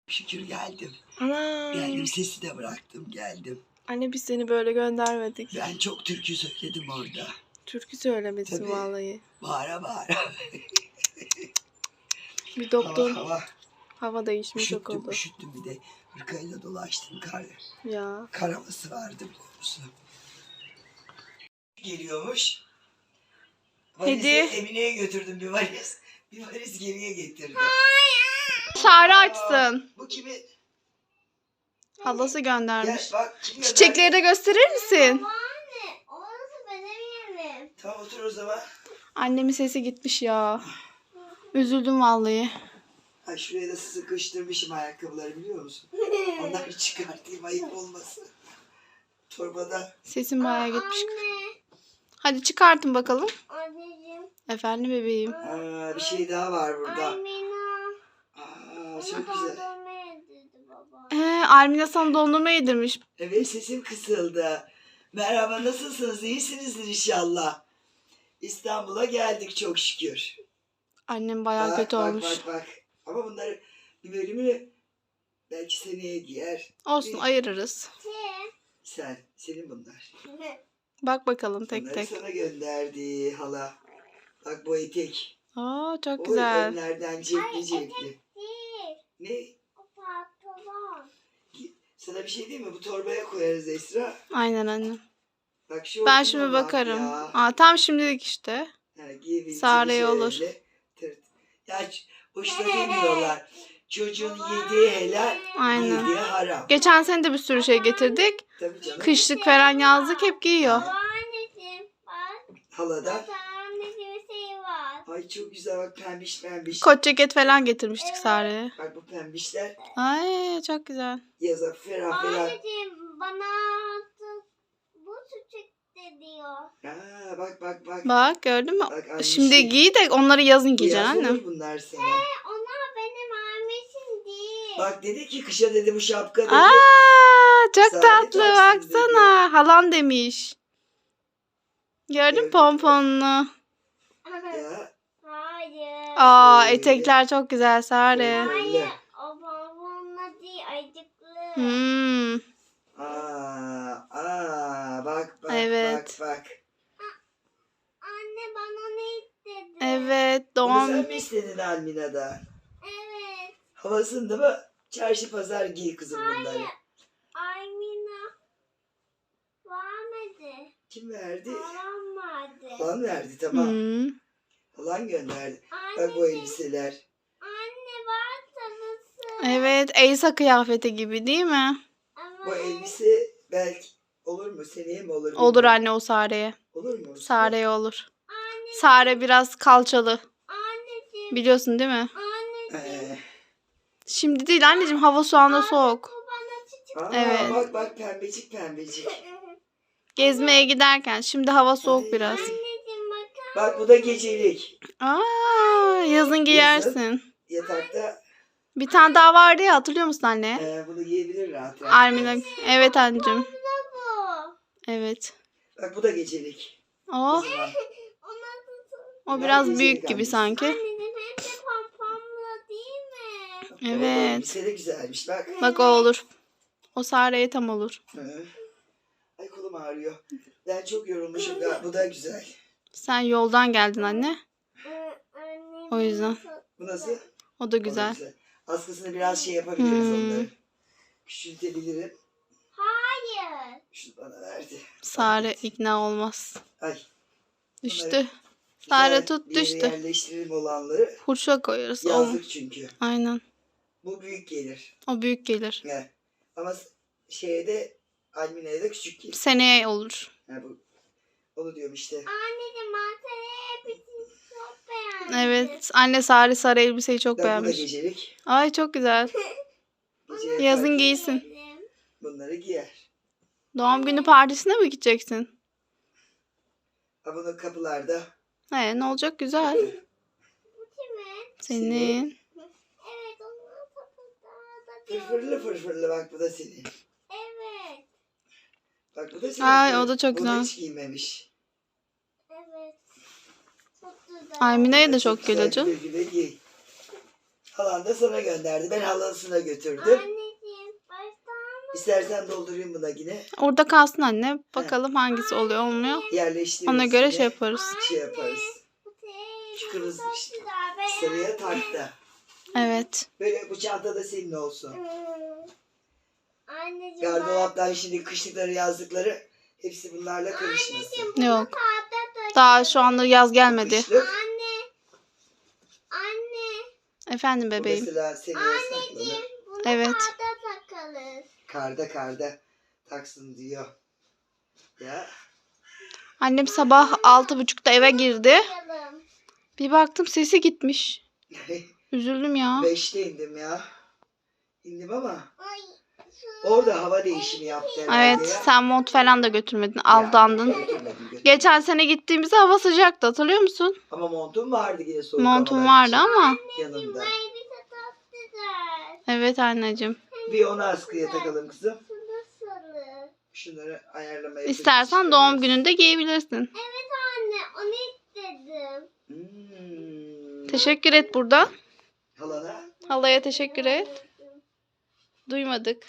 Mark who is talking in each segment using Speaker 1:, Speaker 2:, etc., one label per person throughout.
Speaker 1: Şükür geldim.
Speaker 2: Ana.
Speaker 1: Geldim, sesi de bıraktım, geldim.
Speaker 2: Anne biz seni böyle göndermedik.
Speaker 1: Ben çok türkü söyledim orada.
Speaker 2: Türkü söylemesin
Speaker 1: Tabii.
Speaker 2: vallahi.
Speaker 1: Bağıra bağıra.
Speaker 2: Bir doktor
Speaker 1: Hava.
Speaker 2: hava değişimi çok oldu.
Speaker 1: Üşüttüm bir de. Hırkayla dolaştım kar.
Speaker 2: Ya.
Speaker 1: Kar havası vardı biliyor musun? Geliyormuş. Valizi
Speaker 2: Hediye.
Speaker 1: Emine'ye götürdüm bir valiz. Bir valiz geriye getirdim.
Speaker 2: Çağrı açsın.
Speaker 1: Bu kimi?
Speaker 2: Halası göndermiş.
Speaker 1: Gel bak. Kim gönderdi?
Speaker 2: Çiçekleri de gösterir misin?
Speaker 3: Anne, orası benim yerim.
Speaker 1: Tamam otur o zaman.
Speaker 2: Annemin sesi gitmiş ya. Üzüldüm vallahi.
Speaker 1: Ay şuraya da sıkıştırmışım ayakkabıları biliyor musun? Onları çıkartayım ayıp olmasın. Torbada.
Speaker 2: Sesim bayağı gitmiş.
Speaker 3: Anne,
Speaker 2: Hadi çıkartın bakalım.
Speaker 3: anneciğim.
Speaker 2: Efendim bebeğim.
Speaker 1: Aa, bir şey daha var burada.
Speaker 3: Almina.
Speaker 1: Aa, çok güzel.
Speaker 3: Dondurma yedirdi baba.
Speaker 2: Almina sana dondurma yedirmiş.
Speaker 1: Evet sesim kısıldı. Merhaba nasılsınız? İyisinizdir inşallah. İstanbul'a geldik çok şükür.
Speaker 2: Annem bayağı kötü olmuş.
Speaker 1: Bak. Ama bunları bir bölümünü belki seneye giyer.
Speaker 2: Olsun ayırırız.
Speaker 1: Senin bunlar.
Speaker 2: Bak bakalım tek
Speaker 1: Bunları
Speaker 2: tek.
Speaker 1: sana gönderdi hala. Bak bu etek.
Speaker 2: Aa çok
Speaker 1: O
Speaker 2: güzel.
Speaker 1: önlerden cepli.
Speaker 3: Değil.
Speaker 1: Ne?
Speaker 3: O pantolon.
Speaker 1: Sana bir şey diyeyim mi? Bu torbaya koyarız Esra.
Speaker 2: Aynen anne.
Speaker 1: Bak şu
Speaker 2: Ben
Speaker 1: olsun
Speaker 2: şimdi
Speaker 1: ama
Speaker 2: bakarım.
Speaker 1: ya.
Speaker 2: Aa tam şimdilik işte.
Speaker 1: Giyebiliriz
Speaker 2: Sare'ye olur.
Speaker 1: şöyle. Ya boşuna demiyorlar. Çocuğun yediği helal,
Speaker 2: Aynen.
Speaker 1: yediği haram.
Speaker 2: Geçen sene de bir sürü şey getirdik.
Speaker 1: Tabii canım.
Speaker 2: Kışlık falan yazlık hep giyiyor.
Speaker 3: Anneciğim bak.
Speaker 1: Halada.
Speaker 3: Anneciğim şey var.
Speaker 1: Ay çok güzel bak pembiş.
Speaker 2: Kot ceket falan getirmiştik Sare'ye.
Speaker 1: Bak bu pembişler
Speaker 2: Ay çok güzel.
Speaker 1: yaza ferah.
Speaker 3: Anneciğim bana bu çiçek de diyor.
Speaker 1: Aa, bak.
Speaker 2: Bak gördün mü?
Speaker 1: Bak annesi.
Speaker 2: Şimdi giy de onları yazın
Speaker 1: Bu
Speaker 2: giyeceksin
Speaker 1: yaz
Speaker 2: annem.
Speaker 1: olur bunlar sana.
Speaker 3: Onlar benim annesim değil.
Speaker 1: Bak dedi ki kışa dedi bu şapka dedi.
Speaker 2: Aa çok
Speaker 1: Sare
Speaker 2: tatlı
Speaker 1: taksın
Speaker 2: baksana. Halan demiş. Gördün mü pomponunu?
Speaker 1: Ya.
Speaker 3: Hayır.
Speaker 2: Aa
Speaker 1: Şöyle.
Speaker 2: etekler çok güzel Sare.
Speaker 3: Hayır. O babamla değil acıklı.
Speaker 2: Hmm,
Speaker 1: Bak.
Speaker 2: Evet.
Speaker 1: Bak.
Speaker 3: Anne bana ne istedi?
Speaker 2: evet
Speaker 1: Bunu
Speaker 2: doğum.
Speaker 1: sen mi istedin Almina'da?
Speaker 3: Evet.
Speaker 1: Havasında mı? Çarşı pazar giy kızım bunları.
Speaker 3: Aymina vermedi.
Speaker 1: Kim verdi?
Speaker 3: Halam verdi.
Speaker 1: Halan verdi tamam.
Speaker 2: Hmm.
Speaker 1: Halan gönderdi. Bak bu elbiseler.
Speaker 3: Anne var tanısı.
Speaker 2: Evet Elsa kıyafeti gibi değil mi?
Speaker 1: Bu elbise belki olur mu? Seneye mi olur?
Speaker 2: Olur
Speaker 1: bilmiyorum.
Speaker 2: anne o Sare'ye.
Speaker 1: Olur mu?
Speaker 2: Sare'ye olur.
Speaker 3: Anne,
Speaker 2: Sare biraz kalçalı.
Speaker 3: anneciğim,
Speaker 2: Biliyorsun değil mi?
Speaker 3: anneciğim.
Speaker 2: Şimdi değil anneciğim hava şu anda soğuk.
Speaker 3: Bu bana çiçek.
Speaker 2: Evet.
Speaker 1: Bak pembecik.
Speaker 2: Gezmeye giderken şimdi hava soğuk biraz.
Speaker 3: Anneciğim bakar.
Speaker 1: Bak bu da gecelik.
Speaker 2: Aa yazın giyersin.
Speaker 1: Yatakta
Speaker 2: Bir tane daha vardı ya hatırlıyor musun anne?
Speaker 1: bunu giyebilir rahat.
Speaker 2: Armina. Evet anneciğim.
Speaker 3: Bu.
Speaker 2: Evet.
Speaker 1: Bak bu da gecelik.
Speaker 2: O,
Speaker 1: O zaman.
Speaker 3: Ona
Speaker 2: o biraz
Speaker 1: Gecelik
Speaker 2: büyük gibi
Speaker 1: annesi.
Speaker 2: sanki.
Speaker 3: anneciğim hep de pompomla değil mi?
Speaker 1: O
Speaker 2: Evet.
Speaker 1: elbise de güzelmiş bak.
Speaker 2: Bak o olur. O Sare'ye tam olur.
Speaker 1: Hı. Ay kolum ağrıyor. Ben çok yorulmuşum. Ya, bu da güzel.
Speaker 2: Sen yoldan geldin anne.
Speaker 3: Annem
Speaker 2: O yüzden.
Speaker 1: Bu nasıl?
Speaker 2: O da
Speaker 1: O da
Speaker 2: güzel.
Speaker 1: Askısını biraz şey yapabiliriz
Speaker 2: Hmm.
Speaker 1: onları. Küçültebilirim.
Speaker 3: Hayır.
Speaker 1: Şunu bana verdi.
Speaker 2: Sare ikna olmaz.
Speaker 1: Ay.
Speaker 2: Düştü. Sare
Speaker 1: Güzel
Speaker 2: tut
Speaker 1: bir yere
Speaker 2: düştü.
Speaker 1: yerleştirelim olanları.
Speaker 2: Hurşa koyarız. O,
Speaker 1: Yazlık çünkü.
Speaker 2: aynen.
Speaker 1: Bu büyük gelir.
Speaker 2: O büyük gelir.
Speaker 1: Yani. Ama şeye de Almina'ya da küçük gelir.
Speaker 2: Seneye olur.
Speaker 1: Yani bu, onu diyorum işte.
Speaker 3: Anneciğim ben seni hepsini çok beğendim.
Speaker 2: Evet. Anne sarı elbiseyi çok
Speaker 1: Bak bu da
Speaker 2: beğenmiş.
Speaker 1: gecelik.
Speaker 2: Ay çok güzel.
Speaker 1: Gece
Speaker 2: Yazın
Speaker 1: yatar,
Speaker 2: giysin.
Speaker 1: bunları giyer.
Speaker 2: Doğum günü partisine mi gideceksin?
Speaker 1: Ha bunu kapılarda.
Speaker 2: Ne olacak güzel.
Speaker 3: Bu kimin?
Speaker 2: Senin.
Speaker 3: Evet onun kapıda da
Speaker 1: Fırfırlı bak bu da senin.
Speaker 3: Evet.
Speaker 1: Bak bu da senin.
Speaker 2: Ay, o da çok
Speaker 1: Bunu
Speaker 2: güzel.
Speaker 1: hiç giymemiş.
Speaker 3: Evet. Çok güzel.
Speaker 2: Aymine'ye de
Speaker 1: Bak,
Speaker 2: çok
Speaker 1: güzel,
Speaker 2: geliyor canım.
Speaker 1: güle güle giy. Halan da sana gönderdi. Ben halasına götürdüm.
Speaker 3: Anneciğim baştan
Speaker 1: İstersen doldurayım buna yine.
Speaker 2: Orada kalsın anne. Bakalım hangisi oluyor olmuyor.
Speaker 1: Yerleştiririz.
Speaker 2: Ona göre
Speaker 1: yine.
Speaker 2: şey yaparız.
Speaker 1: Şey yaparız. Şu kırmızı sarıya tak da.
Speaker 2: Evet.
Speaker 1: Böyle bu çanta da senin olsun.
Speaker 3: Anneciğim
Speaker 1: Gardıroptan şimdi kışlıkları yazlıkları hepsi bunlarla karışmasın.
Speaker 2: Yok. Daha şu anda yaz gelmedi.
Speaker 1: Kışlık.
Speaker 3: Anne.
Speaker 2: Efendim
Speaker 1: Bu
Speaker 2: bebeğim.
Speaker 1: mesela seneye saklanır.
Speaker 3: Bunu
Speaker 2: Evet.
Speaker 3: karda takarız.
Speaker 1: Karda taksın diyor. Ya.
Speaker 2: Annem sabah 6.30'da eve girdi.
Speaker 3: Takalım.
Speaker 2: Bir baktım sesi gitmiş. Üzüldüm ya.
Speaker 1: 5'te indim ya. İndim ama
Speaker 3: Ay.
Speaker 1: orada hava değişimi yaptı herhalde
Speaker 2: Evet,
Speaker 1: ya.
Speaker 2: sen mont falan da götürmedin.
Speaker 1: Ya,
Speaker 2: Aldandın.
Speaker 1: götürmedim.
Speaker 2: Geçen sene gittiğimizde hava sıcaktı, hatırlıyor musun?
Speaker 1: Ama montum vardı yine soğuk
Speaker 2: Montum
Speaker 1: havalar
Speaker 2: vardı
Speaker 1: için.
Speaker 2: ama.
Speaker 1: Yanımda.
Speaker 3: Bize tatlı güzel.
Speaker 2: Evet anneciğim.
Speaker 1: Bir onu askıya takalım kızım.
Speaker 3: Nasıl?
Speaker 1: Şunları ayarlamaya
Speaker 2: İstersen doğum gününde giyebilirsin.
Speaker 3: Evet anne onu istedim.
Speaker 2: Teşekkür et burada.
Speaker 1: Halana.
Speaker 2: Halaya teşekkür et. Duymadık.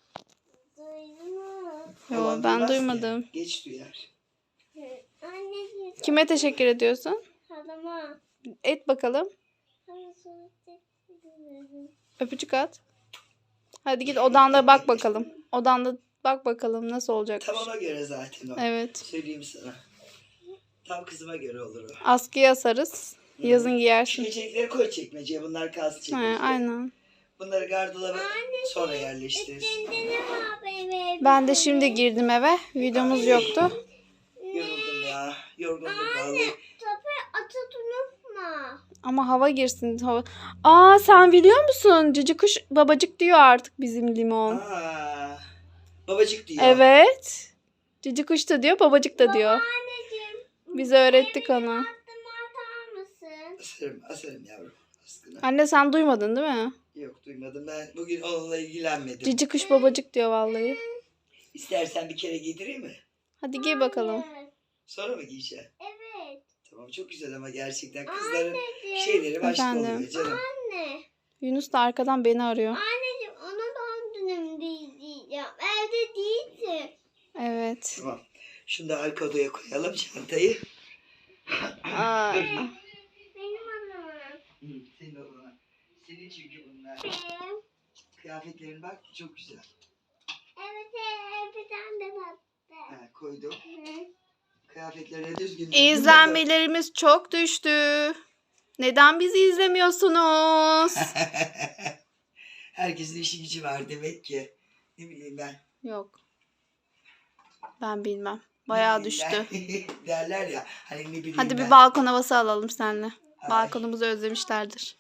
Speaker 3: Duydun mu?
Speaker 2: Yo,
Speaker 1: Halan
Speaker 2: ben
Speaker 1: duymaz ki.
Speaker 2: duymadım.
Speaker 1: Geç duyar.
Speaker 3: Anneciğim
Speaker 2: Kime teşekkür ediyorsun?
Speaker 3: halama.
Speaker 2: Et bakalım.
Speaker 3: Sana söyleyecektim.
Speaker 2: Öpücük at. Hadi git odanda bak bakalım. Odanda bak bakalım nasıl olacakmış.
Speaker 1: Tamama göre zaten o.
Speaker 2: Evet.
Speaker 1: Söyleyeyim sana. Tam kızıma göre olur o.
Speaker 2: Askıya asarız. Yazın
Speaker 1: Şu
Speaker 2: giyersin.
Speaker 1: çiçekleri koy çekmeceye. Bunlar kalsın
Speaker 2: He,
Speaker 1: çekmeceye.
Speaker 2: aynen.
Speaker 1: Bunları gardıroba sonra yerleştiririz.
Speaker 3: Kendine var benim evim.
Speaker 2: Ben de şimdi girdim eve. Videomuz yoktu.
Speaker 1: Yoruldum ya. Yorgunluk vallahi.
Speaker 3: Tabii atı unutma.
Speaker 2: Ama hava girsin. Hava. Aa, sen biliyor musun? Cici kuş babacık diyor artık bizim limon.
Speaker 1: Aa, babacık diyor.
Speaker 2: Evet. Cici kuş da diyor, babacık da diyor.
Speaker 3: Anneciğim.
Speaker 2: Biz öğrettik ona.
Speaker 3: Attım atar mısın?
Speaker 1: Asarım yavrum. Askına.
Speaker 2: Anne sen duymadın değil mi?
Speaker 1: Yok duymadım. Ben bugün onunla ilgilenmedim.
Speaker 2: Cici kuş babacık diyor vallahi.
Speaker 1: İstersen bir kere giydireyim mi?
Speaker 2: Hadi giy bakalım.
Speaker 3: Evet.
Speaker 1: Sonra mı giyeceğim?
Speaker 3: Evet.
Speaker 1: Tamam çok güzel ama gerçekten kızların
Speaker 3: Anneciğim.
Speaker 1: şeyleri başka
Speaker 2: Efendim?
Speaker 1: oluyor canım.
Speaker 3: Anne.
Speaker 2: Yunus da arkadan beni arıyor.
Speaker 3: Anneciğim ona doğum günüm diyeceğim. Evde değilsin.
Speaker 2: Evet.
Speaker 1: Tamam. Şunu da arka odaya koyalım çantayı.
Speaker 2: Aa,
Speaker 3: Benim adamım.
Speaker 1: Hı, senin odana. Senin çünkü bunlar.
Speaker 3: Benim.
Speaker 1: Kıyafetlerin bak çok güzel.
Speaker 3: Evet bir tane de battı.
Speaker 1: Ha, koydum. Kıyafetlerine düzgün.
Speaker 2: İzlenmelerimiz çok düştü. Neden bizi izlemiyorsunuz?
Speaker 1: Herkesin işi gücü var demek ki. Ne bileyim ben.
Speaker 2: Yok. Ben bilmem. Bayağı
Speaker 1: Ne
Speaker 2: düştü.
Speaker 1: bileyim ben. Derler ya. Hani ne bileyim
Speaker 2: Hadi
Speaker 1: ben.
Speaker 2: bir balkon havası alalım seninle.
Speaker 1: Ay.
Speaker 2: Balkonumuzu özlemişlerdir.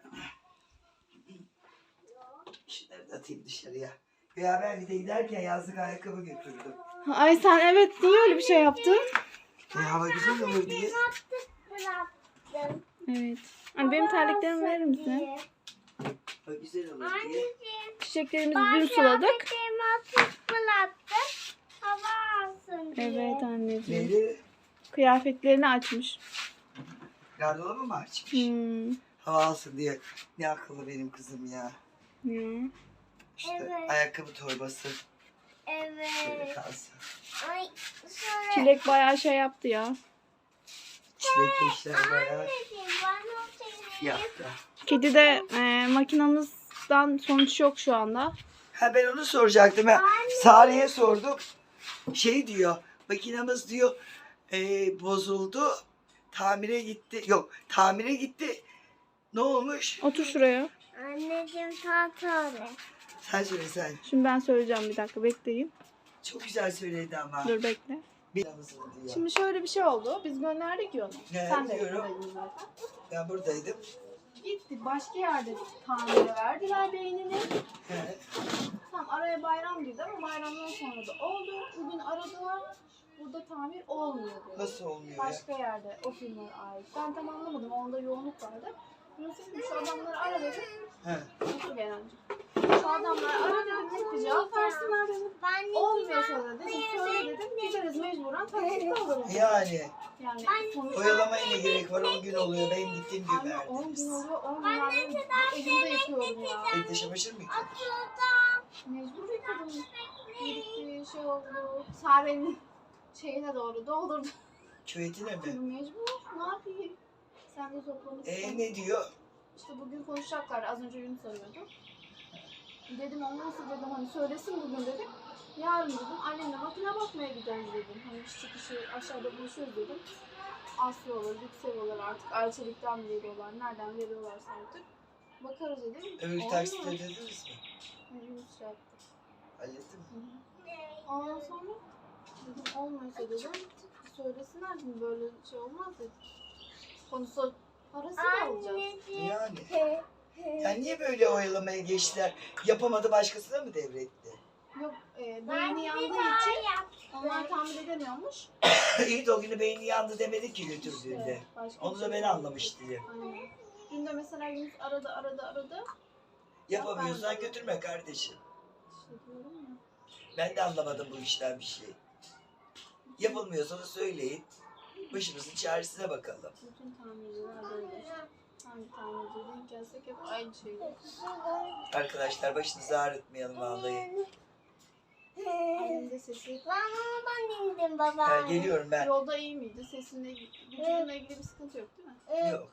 Speaker 1: Şunları da atayım dışarıya. Ya ben bir de giderken yazlık ayakkabı götürdüm.
Speaker 2: Ay sen evet niye öyle bir şey yaptın?
Speaker 1: Hava güzel olur diye.
Speaker 3: Bıraktım.
Speaker 2: Evet. Anne benim terliklerimi verir misin?
Speaker 1: Hava güzel olur diye.
Speaker 3: Anneciğim.
Speaker 2: Çiçeklerimizi dün suladık.
Speaker 3: Kıyafetlerimi atıp bıraktım. Hava alsın diye.
Speaker 2: Evet anneciğim.
Speaker 1: Neydi?
Speaker 2: Kıyafetlerini açmış.
Speaker 1: Gardırobı mı açmış?
Speaker 2: Hmm.
Speaker 1: Hava alsın diye. Ne akıllı benim kızım ya.
Speaker 2: Hmm.
Speaker 1: İşte
Speaker 3: Evet.
Speaker 1: ayakkabı torbası. Şöyle
Speaker 3: Evet.
Speaker 1: kalsın.
Speaker 3: Ay sonra.
Speaker 2: Çilek bayağı şey yaptı ya.
Speaker 1: Çilek eşler bayağı
Speaker 3: Anneciğim bana o seni.
Speaker 1: fiyatta.
Speaker 2: Kedi de makinamızdan sonuç yok şu anda.
Speaker 1: Ha ben onu soracaktım. Ben Sare'ye sordum. Şey diyor. Makinamız diyor bozuldu. Tamire gitti. Yok tamire gitti. Ne olmuş?
Speaker 2: Otur şuraya.
Speaker 3: Anneciğim tatlı.
Speaker 1: Sen söyle sen.
Speaker 2: Şimdi ben söyleyeceğim, bir dakika bekleyin.
Speaker 1: Çok güzel söyledi ama.
Speaker 2: Dur bekle.
Speaker 1: Makinamızın diyor.
Speaker 2: Şimdi şöyle bir şey oldu. Biz gönderdik ya onu.
Speaker 1: Ne,
Speaker 2: Sen de
Speaker 1: biliyorum.
Speaker 2: yanındaydın zaten.
Speaker 1: Ben buradaydım.
Speaker 2: Gitti. Başka yerde tamire verdiler beynini.
Speaker 1: He.
Speaker 2: Tamam, araya bayram girdi ama bayramdan sonra da oldu. Bugün aradılar. Burada tamir olmuyor dedi.
Speaker 1: Nasıl olmuyor ya?
Speaker 2: Başka yerde o firmaya ait. Ben tam anlamadım. Onda yoğunluk vardı. Yunus'a dedim şu adamları ara dedim.
Speaker 1: He.
Speaker 2: Otur Berencim. Şu adamları ara dedim. Net bir cevap versinler dedim.
Speaker 3: Ben de
Speaker 2: Olmuyorsa da dedim. Söyle dedim. Gideriz mecburen taksitle alırım.
Speaker 1: Yani
Speaker 2: Yani sonuçta
Speaker 1: oyalamaya ne gerek var? 10 gün oluyor. Benim gittiğim gün
Speaker 2: anne 10 gün
Speaker 1: verdiniz.
Speaker 2: oluyor. 10 gün verdim. Elimde yapıyorum ya.
Speaker 1: Evde çamaşır mı yıkadın?
Speaker 2: Mecbur yıkadım. Birikti şey oldu. Sare'nin şeyine doğru doldurdu.
Speaker 1: Küvetine mi?
Speaker 2: Mecbur. Ne yapayım? Sen de toplamışsın.
Speaker 1: Ne diyor?
Speaker 2: İşte bugün konuşacaklar. Az önce Yunus arıyordu. Dedim olmazsa dedim hani söylesin bugün dedim. Yarın dedim annemle makine bakmaya gideriz dedim. Hani iş çıkışı aşağıda buluşuruz dedim. Aslı olur, yüksek olur artık. Arçelik'ten mi veriyorlar, nereden veriyorlarsa artık. Bakarız dedim.
Speaker 1: Öbür
Speaker 2: Olmaz.
Speaker 1: taksit ödediniz mi?
Speaker 2: Yunus şey yaptı.
Speaker 1: Hallettin mi?
Speaker 2: Ondan sonra dedim olmuyorsa dedim söylesinler dedim böyle şey olmaz dedim. Konusu parasını alacağız.
Speaker 1: Yani. Yani niye böyle oyalamaya geçtiler? Yapamadı başkasına mı devretti?
Speaker 2: Yok beyni yandığı için onlar tamir edemiyormuş.
Speaker 1: İyi de o günü beyni yandı demedi ki götürdüğünde.
Speaker 2: Başka
Speaker 1: Onu
Speaker 2: bir
Speaker 1: da
Speaker 2: şey
Speaker 1: ben
Speaker 2: yok.
Speaker 1: anlamıştım.
Speaker 2: Aynen. Dün de mesela Yunus aradı.
Speaker 1: Yapamıyorsan götürme kardeşim.
Speaker 2: İşte diyorum ya.
Speaker 1: Ben de anlamadım bu işten bir şey. Yapılmıyorsa da söyleyin. Başımızın çaresine bakalım.
Speaker 2: Bütün tamirciler böyle işte. Hangi tamirciye denk gelsek hep aynı şeyler.
Speaker 1: Arkadaşlar başınızı ağrıtmayalım vallahi.
Speaker 2: Annemin de sesi.
Speaker 3: Ben indim baba.
Speaker 1: Ha, geliyorum ben.
Speaker 2: Yolda iyi miydi? Sesinle vücudunla ilgili bir sıkıntı yok değil mi?
Speaker 1: Yok.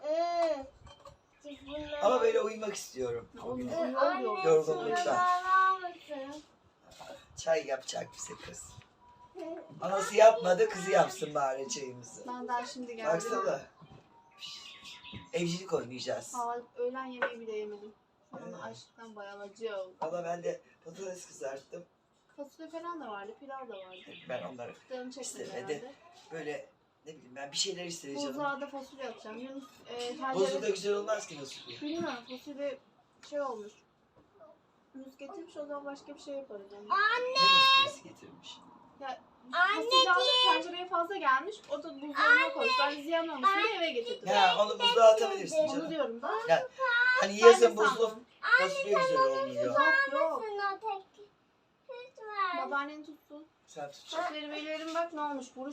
Speaker 1: Ama böyle uyumak istiyorum.
Speaker 2: O
Speaker 1: Bugün.
Speaker 2: yol
Speaker 1: Yorgunluktan.
Speaker 3: Mısın?
Speaker 1: Çay yapacak bize kız. Anası yapmadı, kızı yapsın bari çayımızı.
Speaker 2: Ben daha şimdi geldim.
Speaker 1: Baksana. Evcilik oynayacağız.
Speaker 2: Öğlen yemeği bile yemedim. Şu an açlıktan bayılacağım.
Speaker 1: Valla ben de patates kızarttım.
Speaker 2: Fasulye falan da vardı, pilav da vardı.
Speaker 1: Ben onları
Speaker 2: Canım çekmedi
Speaker 1: İstemedi.
Speaker 2: herhalde.
Speaker 1: böyle ne bileyim ben bir şeyler istedi canım.
Speaker 2: Buzluğa da fasulye atacağım. Yunus
Speaker 1: Bozu da güzel olmaz ki nasıl diye.
Speaker 2: bilmiyorum fasulye şey olmuş. Yunus getirmiş o zaman başka bir şey yaparız. Yani.
Speaker 1: Ne nasıl getirmiş.
Speaker 2: Fasulye aldık tencereye fazla gelmiş. O da buzdolabına koymuş. Ben ziyan olmuş diye eve getirdim.
Speaker 1: Ya onu buzluğa atabilirsin
Speaker 2: Onu
Speaker 1: canım.
Speaker 2: diyorum da.
Speaker 1: Ya, hani
Speaker 2: Ben de
Speaker 1: yazın buzlu
Speaker 2: sandım.
Speaker 1: fasulye güzel olmuyor.
Speaker 2: Yok.
Speaker 3: O tek. Lütfen.
Speaker 2: Babaannen tutsun.
Speaker 1: Sen tut.
Speaker 2: Bak verim bak ne olmuş buruş.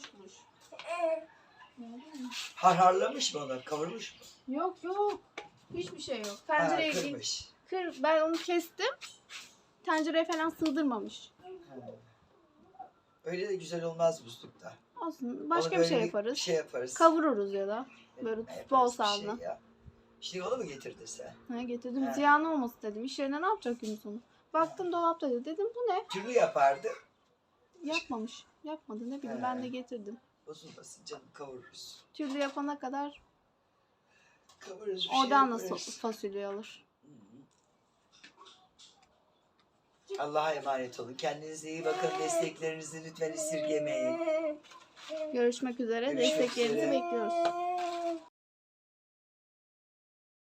Speaker 1: Harharlamış mı onu? Kavurmuş mu?
Speaker 2: Yok. Hiçbir şey yok.
Speaker 1: Ha,
Speaker 2: Tencereye
Speaker 1: kırmış.
Speaker 2: ben onu kestim. Tencereye falan sığdırmamış.
Speaker 1: Öyle de güzel olmaz buzlukta.
Speaker 2: Olsun. Başka
Speaker 1: Onu
Speaker 2: bir şey
Speaker 1: böyle
Speaker 2: yaparız.
Speaker 1: Şey yaparız.
Speaker 2: Kavururuz ya da. Böyle
Speaker 1: Ne
Speaker 2: bol
Speaker 1: yaparız bir
Speaker 2: salna.
Speaker 1: şey ya. Şimdi onu mu getirdin sen?
Speaker 2: Ha, getirdim.
Speaker 1: He.
Speaker 2: Ziyan olmasın dedim. İş yerine ne yapacak Yunus onu? Baktım dolapta dedi. Dedim bu ne?
Speaker 1: Türlü yapardı.
Speaker 2: Yapmamış. Yapmadı ne bileyim
Speaker 1: He.
Speaker 2: ben de getirdim.
Speaker 1: Bozulmasın canım kavururuz.
Speaker 2: Türlü yapana kadar
Speaker 1: Kavururuz bir şey
Speaker 2: oradan nasıl
Speaker 1: yaparız.
Speaker 2: fasulye alır?
Speaker 1: Allah'a emanet olun. Kendinize iyi bakın. Desteklerinizi lütfen esirgemeyin.
Speaker 2: Görüşmek üzere.
Speaker 1: Görüşmek
Speaker 2: Desteklerinizi
Speaker 1: üzere.
Speaker 2: bekliyoruz.